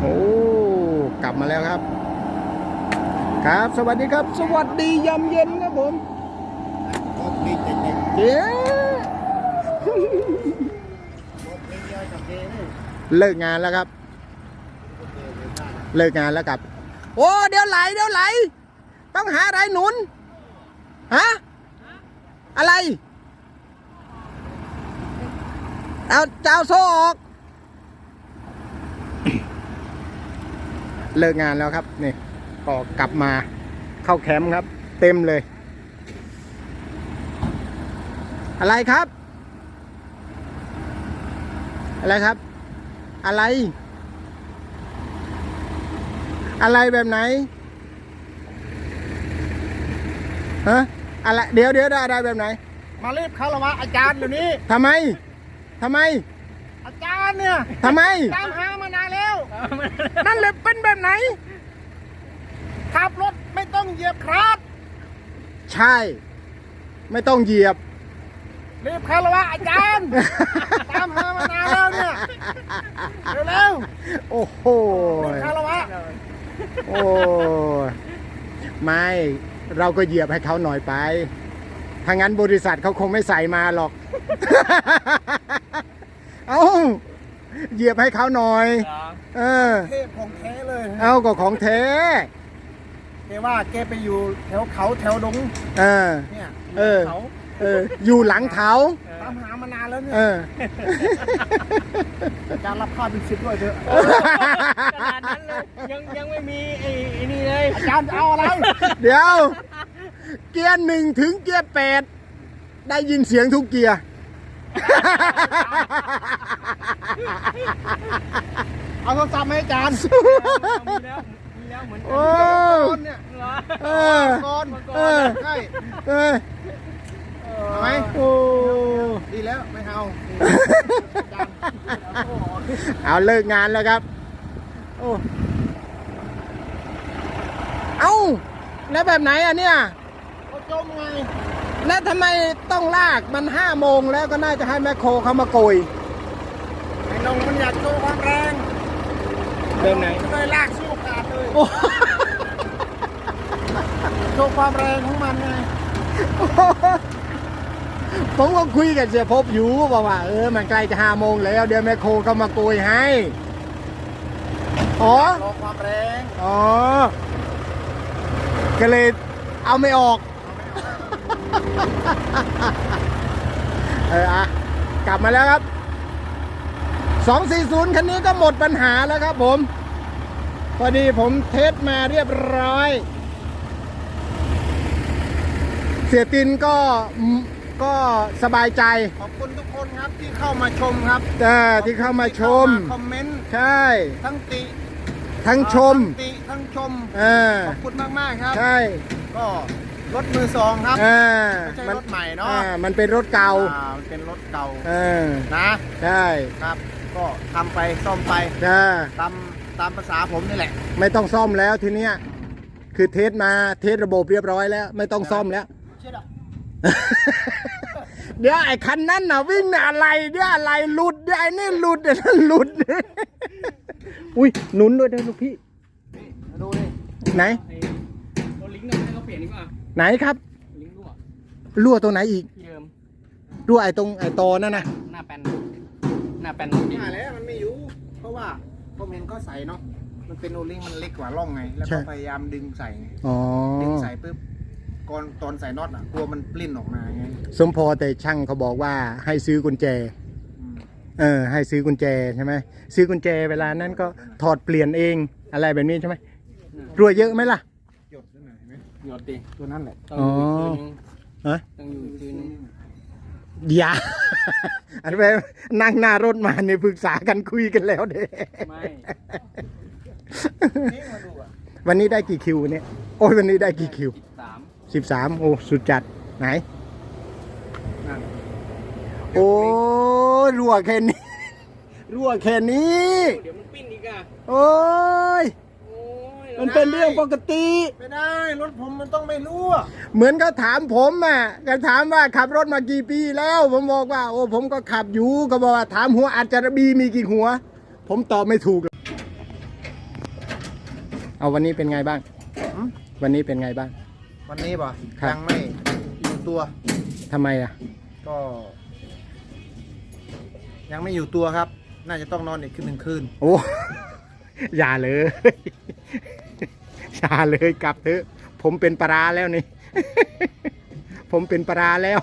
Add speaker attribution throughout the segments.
Speaker 1: โอ้กลับมาแล้วครับครับสวัสดีครับสวัสดียามเย็นครับผมเย้เลิกงานแล้วครับเลิกงานแล้วครับโอ้เดี๋ยวไหลต้องหาอะไรหนุนฮะอะไรเอาเจ้าโซ่ออกเลิกงานแล้วครับนี่ก็กลับมาเข้าแคมป์ครับเต็มเลยอะไรครับอะไรครับอะไรแบบไหนฮะอะไรเดี๋ยวอะไรแบบไหน
Speaker 2: มารีบคารวะอาจารย์เดี๋ยวนี้
Speaker 1: ทำไม
Speaker 2: อาจารย์เนี่ย
Speaker 1: ทำไม
Speaker 2: ตามหามานานแล้ว
Speaker 1: นั่นเลยเป็นแบบไหน
Speaker 2: ขับรถไม่ต้องเหยียบคลัตช์
Speaker 1: ใช่ไม่ต้องเหยียบ
Speaker 2: รีบคารวะอาจารย์ตามหามานานแล้วเนี่ยเร็ว
Speaker 1: โอ้โห
Speaker 2: รีบคารวะ
Speaker 1: โอ้ไม่เราก็เหยียบให้เขาหน่อยไปถ้างั้นบริษัทเขาคงไม่ใส่มาหรอกเอาเหยียบให้เขาหน่อย
Speaker 2: เทพของแท้เลย
Speaker 1: เอาก็ของแท้
Speaker 2: แกว่าแกไปอยู่แถวเขาแถวดงเนี่ย
Speaker 1: อยู่หลังเขา
Speaker 2: ตามหามานานแล้วเนี่ยการรับค่าเป็น10ด้วยเถอะขนาดนั้นเลยยังไม่มีไอ้นี่เลยอาจารย์เอาอะไร
Speaker 1: เดี๋ยวเกียร์1ถึงเกียร์8ได้ยินเสียงทุกเกียร์
Speaker 2: เอาโทรศัพท์ให้อาจารย์มีแล้วเหมือนกันเนี่ยก่อนใช่ไหม
Speaker 1: โอ้
Speaker 2: ดีแล้วไม่
Speaker 1: เอาเลิกงานแล้วครับโอ้เอาแล้วแบบไหนอ่ะเนี่ย
Speaker 2: ก็จมไง
Speaker 1: แล้วทำไมต้องลากมัน5 โมงแล้วก็น่าจะให้แมคโครเขามาโกย
Speaker 2: ไอ้นงมันอยากโชว์ความแรง
Speaker 1: แบบไหน
Speaker 2: เลยลากสู้ขาดเลยโชว์ความแรงของมันไง
Speaker 1: ผมก็คุยกับเสียภพอยู่บอกว่ามันใกล้จะ5 โมงแล้วเดี๋ยวแมคโครเขามาโกยให้
Speaker 2: รอความแรง
Speaker 1: ก็เลยเอาไม่ออกกลับมาแล้วครับ240คันนี้ก็หมดปัญหาแล้วครับผมพอดีผมเทสมาเรียบร้อยเสียตินก็สบายใจ
Speaker 2: ขอบคุณทุกคนครับที่เข้ามาชมครับ
Speaker 1: ที่เข้ามาชม
Speaker 2: คอมเมนต์
Speaker 1: ใช่
Speaker 2: ทั้งติ
Speaker 1: ทั้งชม
Speaker 2: ทั้งชมขอบคุณมากครับ
Speaker 1: ใช่
Speaker 2: ก็รถมือ2ครับไม่ใช่รถใหม่เนาะ
Speaker 1: มันเป็นรถเก่า
Speaker 2: มันเป็นรถเก่า
Speaker 1: นะใช่
Speaker 2: ครับก็ทำไปซ่อมไปตามภาษาผมนี่แหละ
Speaker 1: ไม่ต้องซ่อมแล้วทีเนี้ยคือเทสระบบเรียบร้อยแล้วไม่ต้องซ่อมแล้วเดี๋ยวไอ้คันนั้นน่ะวิ่งอะไรเดี๋ยวอะไรหลุดเดี๋ยวไอ้นี่หลุดเดี๋ยวนั่นหลุดอุ้ยหนุนด้วยนะลูกพี่
Speaker 2: ดูดิ
Speaker 1: ไหน
Speaker 2: ตัวลิงก์เนี่ยให้เขาเปลี่ยนดีกว่า
Speaker 1: ไหนครับ
Speaker 2: ลิงก์
Speaker 1: รั่วตัวไหนอีกรั่วไอ้ตรงไอ้ตอนั่นนะ
Speaker 2: หน้าแป้นมาแล้วมันไม่อยู่เพราะว่าผมเห็นก็ใส่เนาะมันเป็นโอลิงก์มันเล็กกว่าร่องไงแล้วก็พยายามดึงใส่ดึงใส่ปุ๊บตอนใส่น็อตอ่ะกลัวมันปลิ้นออกมาไง
Speaker 1: สมพอแต่ช่างเขาบอกว่าให้ซื้อกุญแจให้ซื้อกุญแจใช่ไหมซื้อกุญแจเวลานั้นก็ถอดเปลี่ยนเองอะไรแบบนี้ใช่ไหมรั่วเยอะไหมล่ะ
Speaker 2: หยดนั่นไหนไหมหยดดิตัวนั้นแหละ
Speaker 1: อ๋อ
Speaker 2: ต้องอยู่คืน
Speaker 1: อย่าอันไปนั่งหน้ารถมาเนี่ยปรึกษากันคุยกันแล้วเด้
Speaker 2: ไม่
Speaker 1: วันนี้ได้กี่คิวเนี่ยโอ้ยวันนี้ได้กี่คิว13โอ้สุดจัดไหนโอ้รั่วแค่นี้เดี๋ยว
Speaker 2: มันปิ้นอีกอ่ะ
Speaker 1: โอ้ยมันเป็นเรื่องปกติ
Speaker 2: ไม่ได้รถผมมันต้องไม่รั่ว
Speaker 1: เหมือนเขาถามผมอ่ะเขาถามว่าขับรถมากี่ปีแล้วผมบอกว่าโอ้ผมก็ขับอยู่ก็บอกว่าถามหัวอาจจะมีกี่หัวผมตอบไม่ถูกเอาวันนี้เป็นไงบ้าง
Speaker 2: หืม
Speaker 1: วันนี้เป็นไงบ้าง
Speaker 2: วันนี้ป่ะ
Speaker 1: ครับ
Speaker 2: ยังไม่อยู่ตัว
Speaker 1: ทำไมอ่ะ
Speaker 2: ก็ ยังไม่อยู่ตัวครับ น่าจะต้องนอนอีกคืน 1 คืน
Speaker 1: โอ้ อย่าเลย อย่าเลยกลับเถอะผมเป็นปลาร้าแล้วนี่ ผมเป็นปลาร้าแล้ว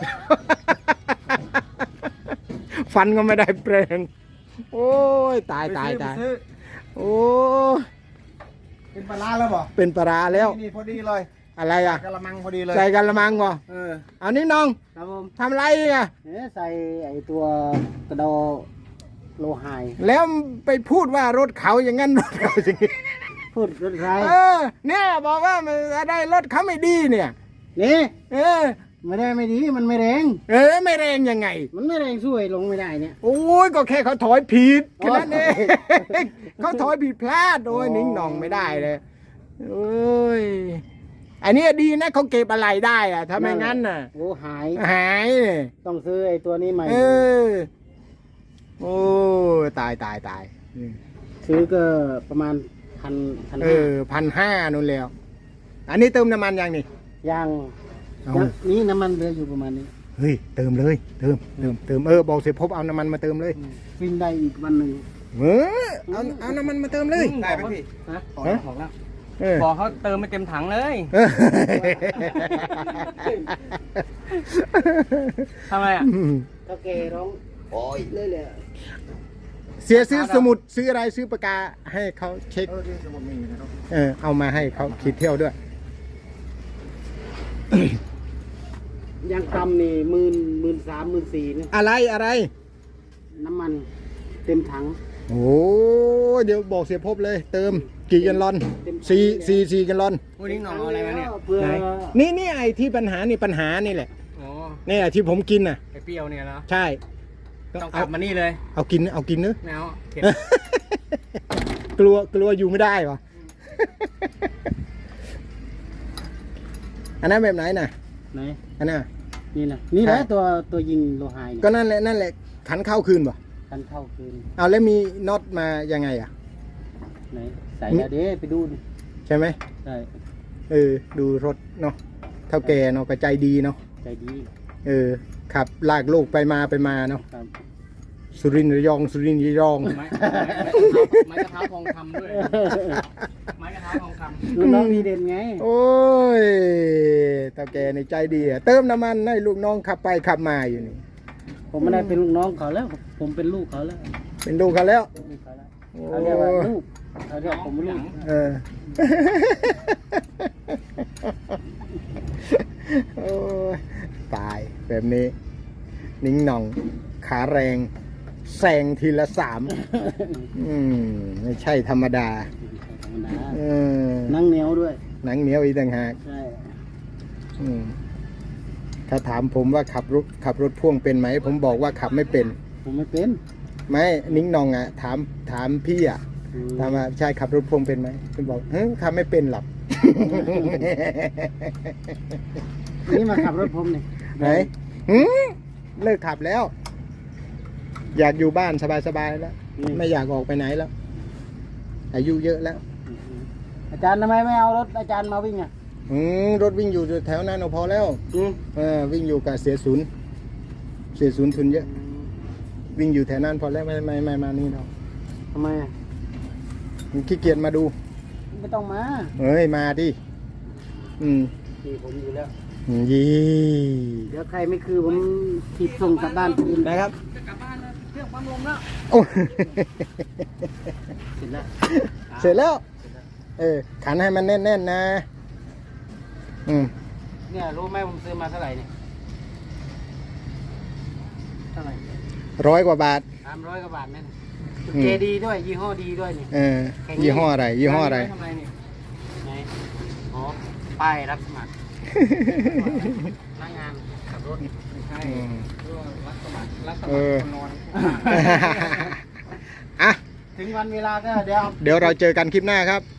Speaker 1: ฟันก็ไม่ได้แปลงโอ้ยตายตายตาย
Speaker 2: ไปซื้อ
Speaker 1: โอ้
Speaker 2: เป็นปลาร้าแล้วบ่
Speaker 1: เป็นปลาร้าแล้ว
Speaker 2: นี่พอดีเลย
Speaker 1: อะไรอ่ะ
Speaker 2: กะละมังพอดีเลย
Speaker 1: ใส่กันละมังวะ
Speaker 2: เออ
Speaker 1: เอานี่น้อง
Speaker 3: ครับผม
Speaker 1: ทำไรอ่ะ
Speaker 3: ใส่ไอตัวกระดอโลหาย
Speaker 1: แล้วไปพูดว่ารถเขาอย่างนั้นรถเขาอย่างนี้
Speaker 3: พูดรถไร
Speaker 1: เนี่ยบอกว่ามันได้รถเขาไม่ดีเนี่ย
Speaker 3: นี่
Speaker 1: เออ
Speaker 3: ไม่ได้ไม่ดีมันไม่แรง
Speaker 1: ไม่แรงยังไง
Speaker 3: มันไม่แรงช่วยลงไม่ได้เนี่ย
Speaker 1: โอ้ยก็แค่เขาถอยผิดแค่นั้นเอง
Speaker 3: โอ้ย
Speaker 1: เขาถอยผิดพลาดโอ้ย
Speaker 3: อ๋อ
Speaker 1: นิ่งหน่องไม่ได้เลยโอ้ยอันนี้ดีนะเขาเก็บอะไรได้อะถ้าไม่งั้นน่ะ
Speaker 3: โอ้หาย
Speaker 1: หายเนี่ย
Speaker 3: ต้องซื้อไอตัวนี้ใหม่
Speaker 1: เออโอ้ยตายตายตาย
Speaker 3: ซื้อก็ประมาณพัน
Speaker 1: 1,500นู่นแล้ว อันนี้เติมน้ำมันยังนี่
Speaker 3: ยาง
Speaker 1: เอา
Speaker 3: นี่น้ำมันเหลืออยู่ประมาณนี้
Speaker 1: เฮ้ยเติมเลยเติมบอกเสียพบเอาน้ำมันมาเติมเลย
Speaker 3: วิ่งได้อีกวันหนึ่ง
Speaker 1: เอาน้ำมันมาเติมเลย
Speaker 2: ได้ไหมพี่
Speaker 3: ฮะ
Speaker 1: ฮะ
Speaker 3: ของแล้ว
Speaker 1: เออ
Speaker 4: บอกเขาเติมไม่เต็มถังเลย ทำไมอ่ะ
Speaker 3: ก็แกร้องโอ้ยเลยเลย
Speaker 1: เสียซื้อสมุดซื้ออะไรซื้อปากกาให้เขาเช็ค
Speaker 2: ที่สมุดมีอยู่นะครับ
Speaker 1: เอามาให้เขาขีดเที่ยวด้วย
Speaker 3: ยางต่ำนี่13,000 14,000เนี่ย
Speaker 1: อะไร
Speaker 3: น้ำมันเต็มถัง
Speaker 1: โอ้เดี๋ยวบอกเสียพบเลย เติมกี่กันลอนสี่กันลอน
Speaker 4: วันนี้หน่องเอาอะไรมาเนี่ย
Speaker 3: เพื่อ
Speaker 1: นี่ไอ้ที่ปัญหานี่แหละ
Speaker 4: อ๋อ
Speaker 1: นี่แหละที่ผมกินน่ะ
Speaker 4: ไอเปรี้ยวเนี่ยนะ
Speaker 1: ใช่
Speaker 4: ต้องกลับมานี่เลย
Speaker 1: เอากินเนื้อะ
Speaker 4: แนวเข็ด
Speaker 1: กลัวอยู่ไม่ได้วะ อันนั้นแบบไหนน่ะ
Speaker 3: ไหน
Speaker 1: อันน่ะ
Speaker 3: นี่นะนี่แหละ
Speaker 1: ใช่
Speaker 3: ตัวยิงโลหายเนี่ย
Speaker 1: ก็นั่นแหละขันเข้าคืนป่ะ
Speaker 3: คันเข้าคืน
Speaker 1: เอาแล้วมีน็อตมายังไงอ่ะ
Speaker 3: ไหนใส่แล้วเด้ไปดูดิ
Speaker 1: ใช่ไหม
Speaker 3: ใช่
Speaker 1: ดูรถเนาะเท่าแก่เนาะก็ใจดีเนาะ
Speaker 3: ใจดี
Speaker 1: ขับลากโลกไปมาเนาะ
Speaker 3: ครับ
Speaker 1: สุรินทร์ระยอง
Speaker 4: ไม้กระเท้าทองคำด้วย ไม้กระเท้าทองค
Speaker 3: ลูกน้องดีเด่นไง
Speaker 1: โอ้ยเท่าแก่ในใจดีอะเติมน้ำมันให้ลูกน้องขับไปขับมาอยู่นี่
Speaker 3: ผมไม่ได้เป็นลูกน้องเขาแล้ว ผมเป็นลูกเขาแล้ว
Speaker 1: เป็นลูกเขาแล้ว
Speaker 3: ลูกเขาแล้ว
Speaker 1: โอ้
Speaker 3: เขาเรียกว่าลูกเขาเรียกผมลูก
Speaker 1: เออ โอ้ยตายแบบนี้ นิ่งหน่องขาแรงแซงทีละ3ไม่ใช่ธรรมดา
Speaker 3: ธรรมดา
Speaker 1: เออ
Speaker 3: นั่งเหนียวด้วย
Speaker 1: หนังเหนียวอีกต่างหาก
Speaker 3: ใช่
Speaker 1: ถ้าถามผมว่าขับรถพ่วงเป็นไหม ผมบอกว่าขับไม่เป็น
Speaker 3: ผมไม่เป็น
Speaker 1: ไม่นิ่งหนองอ่ะ ถามพี่อ่ะ
Speaker 3: อืม
Speaker 1: ถามว่าใช่ขับรถพ่วงเป็นไหมผมบอกขับไม่เป็นหรอก
Speaker 3: นี่มาขับรถผมเนี่ย
Speaker 1: ไหนเลิกขับแล้ว อยากอยู่บ้านสบายๆแล้ว ไม่อยากออกไปไหนแล้ว อายุเยอะแล้ว
Speaker 3: อาจารย์ทำไมไม่เอารถอาจารย์มาวิ่งอ่ะ
Speaker 1: รถวิ่งอยู่แถวนั้นเอาพอแล้ว วิ่งอยู่กับเสียศูนย์ทุนเยอะ วิ่งอยู่แถวนั้นพอแล้วไม่มานี่เรา
Speaker 3: ทำไมอ่ะ
Speaker 1: ขี้เกียจมาดู
Speaker 3: ไม่ต้องมา
Speaker 1: เฮ้ยมาดิ
Speaker 3: ขี่ผมอยู่แล้ว
Speaker 1: ยี่
Speaker 3: เดี๋ยวใครไม่คือผมถีบส่งกลับบ้านคืน
Speaker 1: นะครับ
Speaker 4: ำจะกลับบ้านแล้วเครื่องปั๊มลมแล้ว
Speaker 1: โอ้
Speaker 3: เสร็จแล้ว
Speaker 1: เสร็จแล้ว ขันให้มันแน่นๆนะ
Speaker 3: เนี่ยรู้ไหมผมซื้อมาเท่าไหร่เนี่ยเท่าไหร่
Speaker 1: 100 กว่าบาท
Speaker 3: 300 กว่าบาทเนี่ย
Speaker 1: อืม
Speaker 3: เจดีด้วยยี่ห้อดีด้วยนี่
Speaker 1: ยี่ห้ออะไร ยี่ห้ออะไร
Speaker 4: ทำไมเนี่ย
Speaker 3: ไหนอ๋อป้ายรับสมัครพนักงานขับรถ
Speaker 4: ไม่ใช่รับสมัครคนนอน
Speaker 1: อ่ะ
Speaker 3: ถึงวันเวลาก็เดี๋ยว
Speaker 1: เดี๋ยวเราเจอกันคลิปหน้าครับ